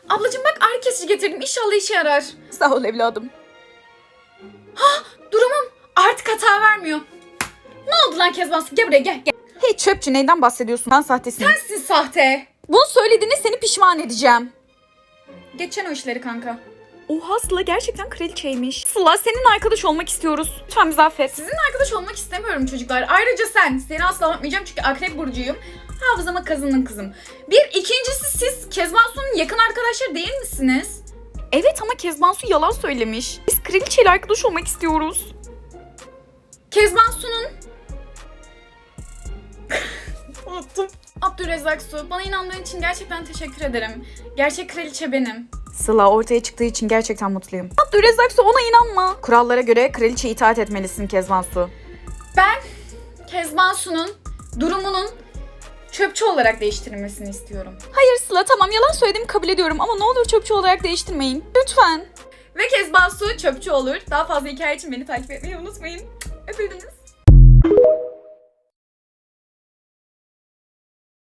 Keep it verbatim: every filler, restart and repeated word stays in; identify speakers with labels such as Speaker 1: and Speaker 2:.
Speaker 1: Ablacığım bak ağrı kesici getirdim. İnşallah işe yarar.
Speaker 2: Sağ ol evladım.
Speaker 1: Ha durumum artık hata vermiyor. Ne oldu lan Kezban Su? Gel buraya gel. gel.
Speaker 2: Hey çöpçü, neyden bahsediyorsun? Ben sahtesin.
Speaker 1: Sensin sahte.
Speaker 2: Bunu söylediğinde seni pişman edeceğim.
Speaker 1: Geçen o işleri kanka.
Speaker 2: Oha, Sıla gerçekten kraliçeymiş. Sıla, senin arkadaş olmak istiyoruz. Lütfen bizi affet.
Speaker 1: Sizinle arkadaş olmak istemiyorum çocuklar. Ayrıca sen. Seni asla unutmayacağım çünkü akrep burcuyum. Hafızama kazındın kızım. Bir ikincisi siz Kezban Su'nun yakın arkadaşları değil misiniz?
Speaker 2: Evet ama Kezban Su yalan söylemiş. Biz kraliçeyle arkadaş olmak istiyoruz.
Speaker 1: Kezban Su'nun... Unuttum. Abdülrezzak Su, bana inandığın için gerçekten teşekkür ederim. Gerçek kraliçe benim.
Speaker 2: Sıla, ortaya çıktığı için gerçekten mutluyum. Abdülrezzak Su, ona inanma. Kurallara göre kraliçe itaat etmelisin Kezban Su.
Speaker 1: Ben Kezban Su'nun durumunun çöpçü olarak değiştirilmesini istiyorum.
Speaker 2: Hayır Sıla, tamam yalan söylediğimi kabul ediyorum ama ne olur çöpçü olarak değiştirmeyin. Lütfen.
Speaker 1: Ve Kezban Su çöpçü olur. Daha fazla hikaye için beni takip etmeyi unutmayın. Öpüldünüz.